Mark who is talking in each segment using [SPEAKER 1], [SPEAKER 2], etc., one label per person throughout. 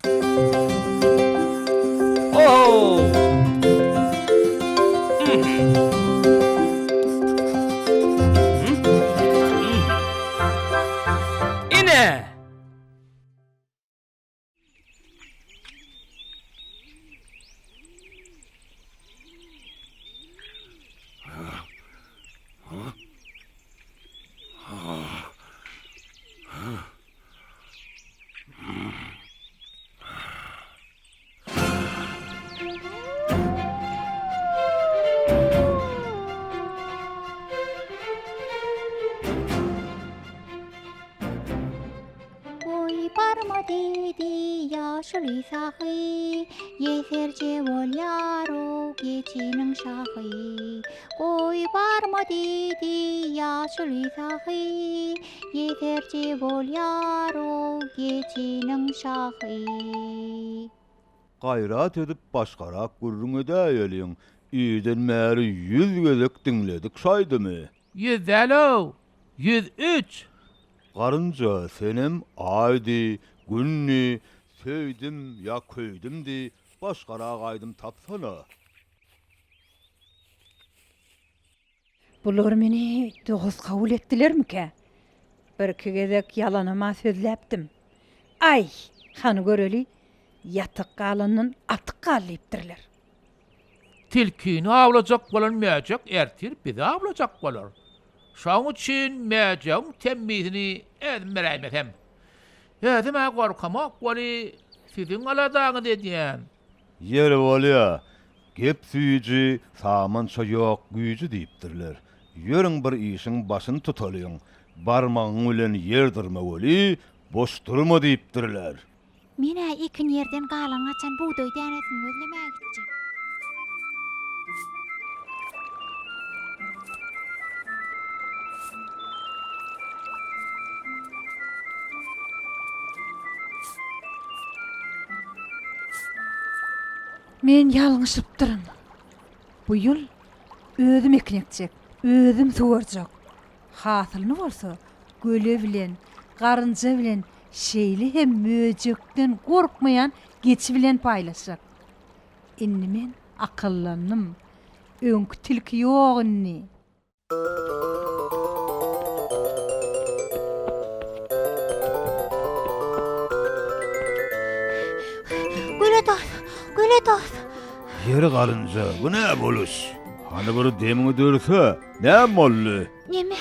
[SPEAKER 1] Oh! İne!
[SPEAKER 2] Koy barma dedi yaşlı sahi, yeserce ol yaro geçinin şahı. Koy barma dedi yaşlı sahi, yeserce ol yaro geçinin şahı.
[SPEAKER 3] Gayrat edip başkarak gurrun edäýeliň. Ýüden märi 100 gözek dinledik şaýdymy?
[SPEAKER 1] 150, 103.
[SPEAKER 3] Garynja senem aýdy, günni, söýdim ya köýdimdi, başkarak aýdym tapsana.
[SPEAKER 4] Bular meni doguz kabul etdilermike? Bir-iki gezek yalanama sözläpdim. Ay, hany göreli, yatyk galanyň atyk gallypdirler.
[SPEAKER 1] Tilkini avlajak bolan mäjek ertir bizi avlajak bolar. Şoň üçin mäjeň temmizini edmeräýmesem. Ýa-da gorkamak boli siziň aladaňy dedýän.
[SPEAKER 3] Ýeri bolýa, gep süýji, samança ýok güýji diýipdirler. Ýöriň bir işiň başyny tutalyň, barmagyň bilen ýerdirme boli, boş durma diýipdirler.
[SPEAKER 2] Mine ikin yerden galan açan buğday denesini özlemeye gideceğim.
[SPEAKER 4] Men ýalňyşypdyryn. Bu ýyl özüm eknekjek, özüm suwarjak. Hasylyny bolsa, göle bilen, garynja bilen, şeýli hem möjekden gorkmayan geçi bilen paýlaşjak. Inni men akyllannym. Öňkü tilki ýok inni.
[SPEAKER 2] Göle tos.
[SPEAKER 3] Ýeri garynja, bu näme boluş? Hany bir demiňi dörse, näme boldy?
[SPEAKER 2] Neme?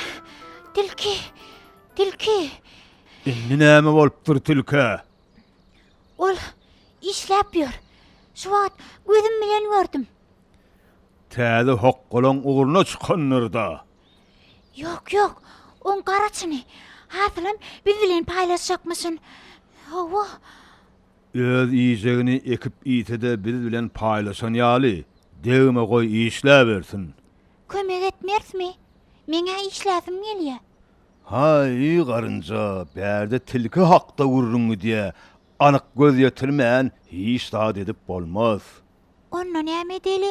[SPEAKER 2] Tilki.
[SPEAKER 3] Indi näme bolupdyr tilke?
[SPEAKER 2] Ol işläpýär. Şu wagt gözüm bilen gördüm.
[SPEAKER 3] Täze hoqqolan uğruna çykanlarda.
[SPEAKER 2] Yok. On garaçyny. Hasylym biz bilen paýlaşjakmysyn. Hawa.
[SPEAKER 3] Öz iyijegini ekip ýitede biz bilen paýlaşan ýaly. Degime goý işläbersin.
[SPEAKER 2] Kömek etmersmi? Meňe işläsim gelýär.
[SPEAKER 3] Hay garynja, bärde tilki hakda gurrungy diýe anyk göz ýetirmän hiç zat edip bolmaz.
[SPEAKER 2] Onda näme edeli?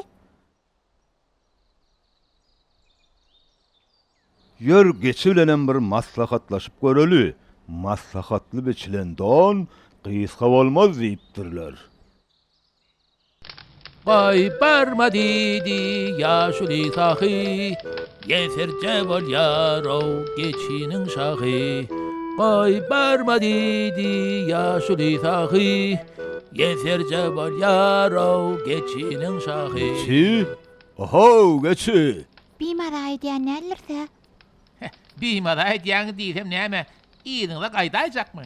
[SPEAKER 3] Ýör geçi bilenem bir maslahatlaşyp göreli. Maslahatly biçilen don gysga bolmaz diýipdirler.
[SPEAKER 1] Ay barma dedi yaşlı sahi, yeserce bol yaro geçinin şahı. Ay barma dedi yaşlı sahi, yeserce bol yaro geçinin şahı.
[SPEAKER 3] Çi? Oho, geçi.
[SPEAKER 2] Bimara aýdýan nälerse?
[SPEAKER 1] Bimada edýän diýsem näme? Ýygyňda gaýdaýjakmy?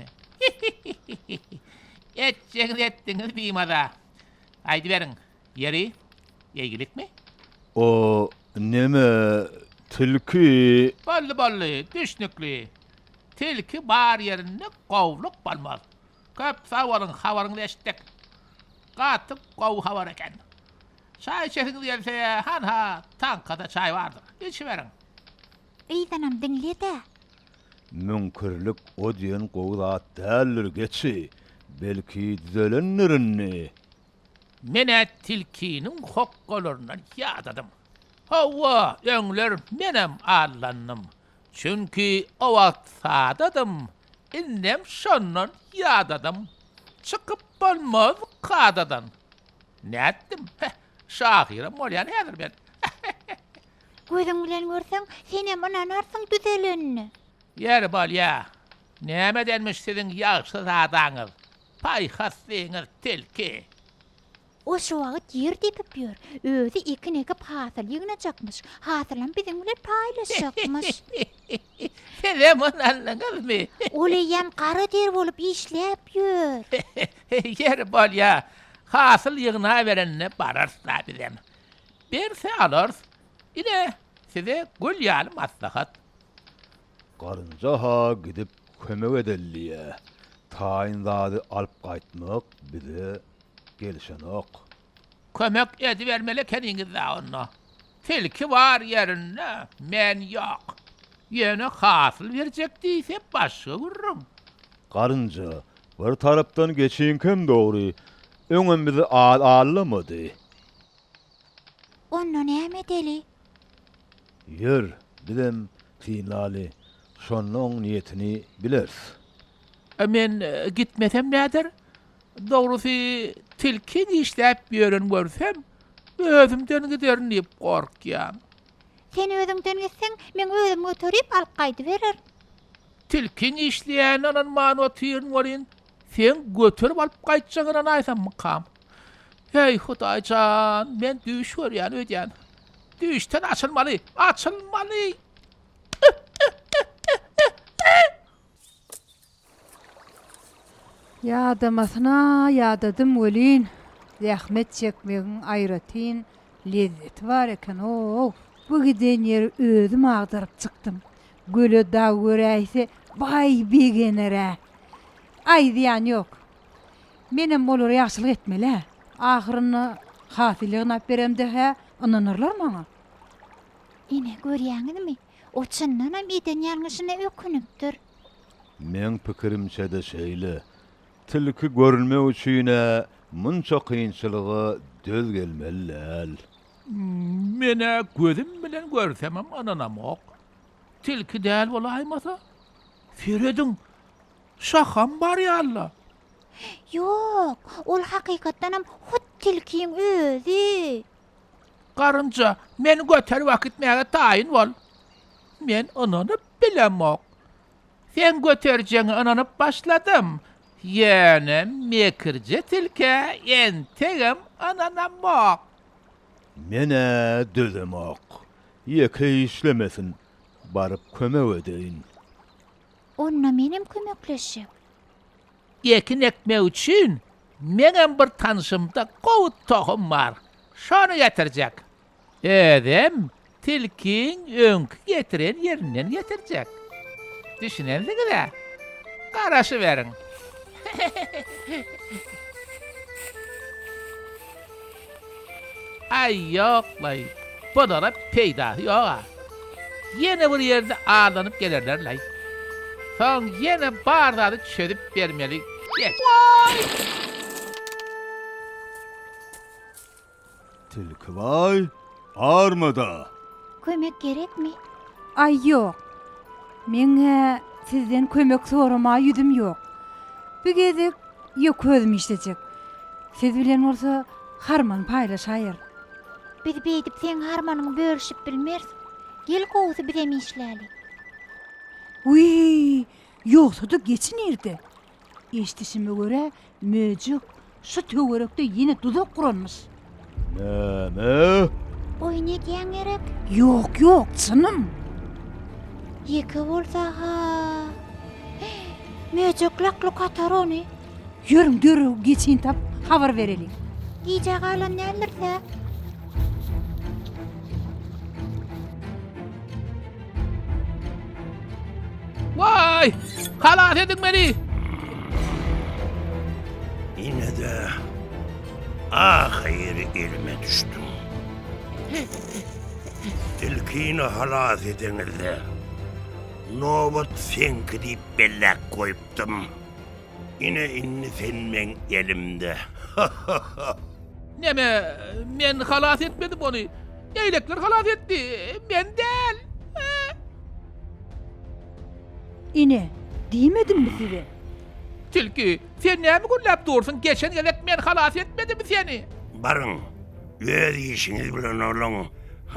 [SPEAKER 1] Etjeňiz etdiňiz bimada. Aýdy beriň. Yeri, yegilikmi?
[SPEAKER 3] O neme tilki?
[SPEAKER 1] Ballı, düşnükli. Tilki bar yerinde qowluk bolmaz. Köp havarın eşitdik. Gatyp qow havar eken. Çay içesiniz gelse, ha, tankada çay vardır. İçiveriň.
[SPEAKER 2] Eýdanam diňlede.
[SPEAKER 3] Münkirlik o diýen gowda däldir geçi. Belki düzelenlerini.
[SPEAKER 1] Mene tilkinin hoqqolarından ýadadım. Hawa, öňler menem allannym. Çünki o wagt sadadım. Innem şondan ýadadım. çıkıp bolmaz kadadan. Ne etdim? Şahirem bolyan häzir ben.
[SPEAKER 2] Gözüň bilen görseň, senem ananarsın düzelenini.
[SPEAKER 1] Yer bolya. Näme denmiş sizin ýagşy zadaňyz? Paýhaslyňyz tilki.
[SPEAKER 2] O şu wagt yer depip ýör. Özü ikine gip hasyl ýygnajakmyş. Hasylan biziň bilen paýlaşjakmyş.
[SPEAKER 1] Sizem anlaňyzmy?
[SPEAKER 2] Oleýem kara der bolup işläp ýör.
[SPEAKER 1] Yer bolya. Hasyl ýygna berenne bararsla bizem. Berse alars. Ine size gül ýaly maslahat.
[SPEAKER 3] Garynja ha gidip kömek edelliye. Taýyn zady alyp gaýtmak bize gelişen ok.
[SPEAKER 1] Kömek edivermeli kendiniz onunla. Tilki var yerine, men yok. Yine hasıl verecek değilse başka vururum.
[SPEAKER 3] Garynja bir tarapdan geçiňkem dogry. Öňem bizi ağlamadı.
[SPEAKER 2] Onu näme deli?
[SPEAKER 3] Yer, bilem, tinlali. Şonnoň niýetini bilers.
[SPEAKER 1] Men gitmesem nedir? Doğrusu tilki işläp ýören görsem, özümden giderin diýip gorkýam.
[SPEAKER 2] Sen özüňden gitseň, men özüm götürip alyp gaýdy berer.
[SPEAKER 1] Tilki işleýän anan many otyryň bolýan. Sen götürüp alyp gaýtjagyna aýsam mykam. Hey Hudaýjan, men düş görýän ödýän. Düşten açılmaly, açılmaly.
[SPEAKER 4] Ýadamasına ýadadım welin. Zähmet çekmegiň aýratyn lezzeti bar eken. O, bu giden yer özüm agdaryp çykdym. Göle daw göräýse bay begenere. Ay diýen ýok. Menem bolar ýaşylyk etmeli. Ahyryny hasylygyny ap beremde ha, ananırlar maňa.
[SPEAKER 2] Ine görýäňizmi? O çyndanam eden ýalňyşyna ökünüpdir.
[SPEAKER 3] Men pikirimçe de şeýle. Tilki görülmek üçine munça kıyınçılığı döz gelmeliler.
[SPEAKER 1] Mene gözüm bilen görsemem ananam ok. Tilki däl bolaýmasa, Feredin şaham bar ýalla.
[SPEAKER 2] Yok, ol hakykatdanam hut tilkiň özü.
[SPEAKER 1] Garynja, men göter wakitmäge taýyn bol. Men anany bilemok. Sen göterjeňi ananyp başladym. Ýene mekirje tilke entegem ananamok.
[SPEAKER 3] Mene dözemek. Ýeke işlemesin. Barıp kömek edeýin.
[SPEAKER 2] Onna menem kömekleşip.
[SPEAKER 1] Ekin ekmek üçin menem bir tanışymda gowut tohum bar. Şonu getirjek. Edem tilkiň öňkü getiren ýerinden getirjek. Düşünendigine garaşy beriň. Ay yoklay. Bodara peýda ýoga. Yine bir ýerde ağlanıp gelirler lay. Son yine bardağını çözüp vermeli. Geç.
[SPEAKER 3] Tilki vay, armada.
[SPEAKER 2] Kömek gerekmi?
[SPEAKER 4] Ay ýok. Meňe sizden kömek sorama ýüzüm ýok. Bu gezek ýok özüm işlejek. Siz bilen bolsa harman paýlaşaýar.
[SPEAKER 2] Biz beýdip sen harmanyňy bölüşip bilmersiň. Gel gowsy birem işläli.
[SPEAKER 4] Uy, ýoksa da geçin ýerde. Eşdişime göre möjük şu töwerekde ýene duzak guranmyş.
[SPEAKER 3] Näme?
[SPEAKER 2] Oy ne diýen gerek?
[SPEAKER 4] Ýok, çynım.
[SPEAKER 2] Ýeke bolsa ha. Möjük lakly katar ony.
[SPEAKER 4] Ýörüň dörew geçin tap habar berelim.
[SPEAKER 2] Iýje galan nälerse.
[SPEAKER 1] Vay! Halat edin beni!
[SPEAKER 5] Yine de ahir elime düştüm. Tilkini halat edenilde nobat senki deyip bellek koyuptum. Yine inni senmen elimde.
[SPEAKER 1] Neme, men halat etmedim onu. Eylekler halat etti. Men del.
[SPEAKER 4] Ine, diýmedim mi size?
[SPEAKER 1] Tilki, sen näme güllap dursun? Geçen gelek men halas etmedim seni.
[SPEAKER 5] Barın, öz işiniz bilen olun.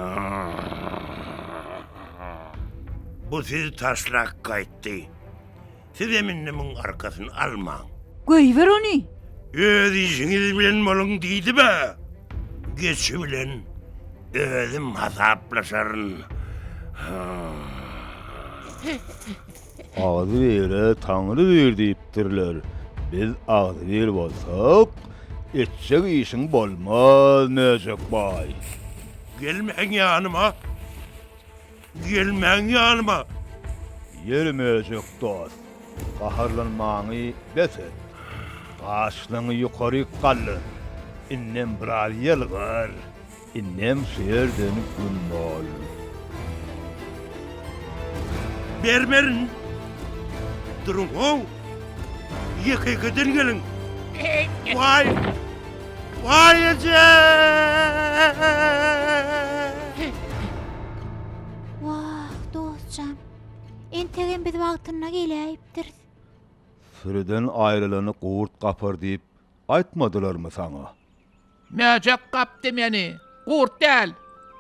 [SPEAKER 5] Bu sizi taşlak kayıttı. Siz eminnemin arkasını alman.
[SPEAKER 4] Göýber ony.
[SPEAKER 5] Öz işiniz bilen olun deydi be. Geçi bilen özüm hasaplaşarın.
[SPEAKER 3] Ağzı vere Tanrı ver diýipdirler. Biz ağzı ver bolsak, etjek işiň bolmaz Necek bay.
[SPEAKER 5] Gelmeň yanıma. Gelmeň yanıma.
[SPEAKER 3] Yermejek dost. Gaharlanmaňy beset. Başlaňy ýokary gallyn. Innem bir ýylgyr. Innem şeýerden gün bol.
[SPEAKER 5] Bermerin. Durun o. Yıkıkıdın gelin. Vay. Vay ece.
[SPEAKER 2] Wah, dostjam. Entegen biz wagtyna gelýärdir.
[SPEAKER 3] Süreden aýrylany gurt gapar diýip aýtmadylarmy saňa?
[SPEAKER 1] Näjek gapdy meni? Gurt däl.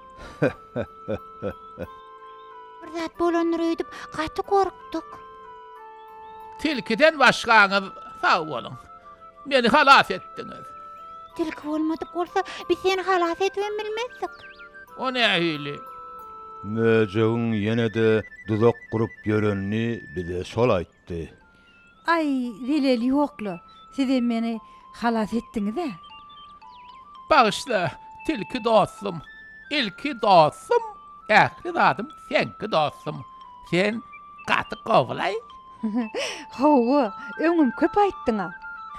[SPEAKER 2] Bir zat bolanlar öýdüp gaty gorkdyk.
[SPEAKER 1] Tilkiden başgaňyz sag bolun. Meni halas etdiňiz.
[SPEAKER 2] Tilki bolmadyk bolsa biz seni halas etmem bilmezdik.
[SPEAKER 1] O nähili?
[SPEAKER 3] Necegin ýene-de duzak gurup ýörenini bize şol aýtdy.
[SPEAKER 4] Ay, dileli ýokla. Siz meni halas etdiňiz-de.
[SPEAKER 1] Bağışla, tilki dostum. İlki dostum. Ähli zadım senki dostum. Sen gaty gowlay.
[SPEAKER 4] Hawa, öňüm köp aýtdyň-a.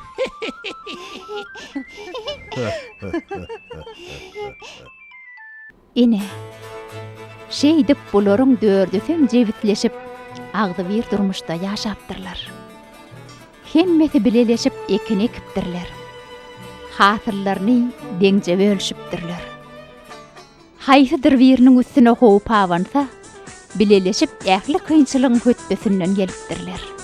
[SPEAKER 2] Ine. Şeýdip bularyň dördüsem jebitleşip agdy bir durmuşda ýaşapdyrlar. Hemmeti bileleşip ekini ekipdirler. Hatırlaryny deňje bölüşipdirler. Haýsydyr biriniň üstüne hoýup awansa, bileleşip ähli kynçylygyň hötbesinden gelipdirler.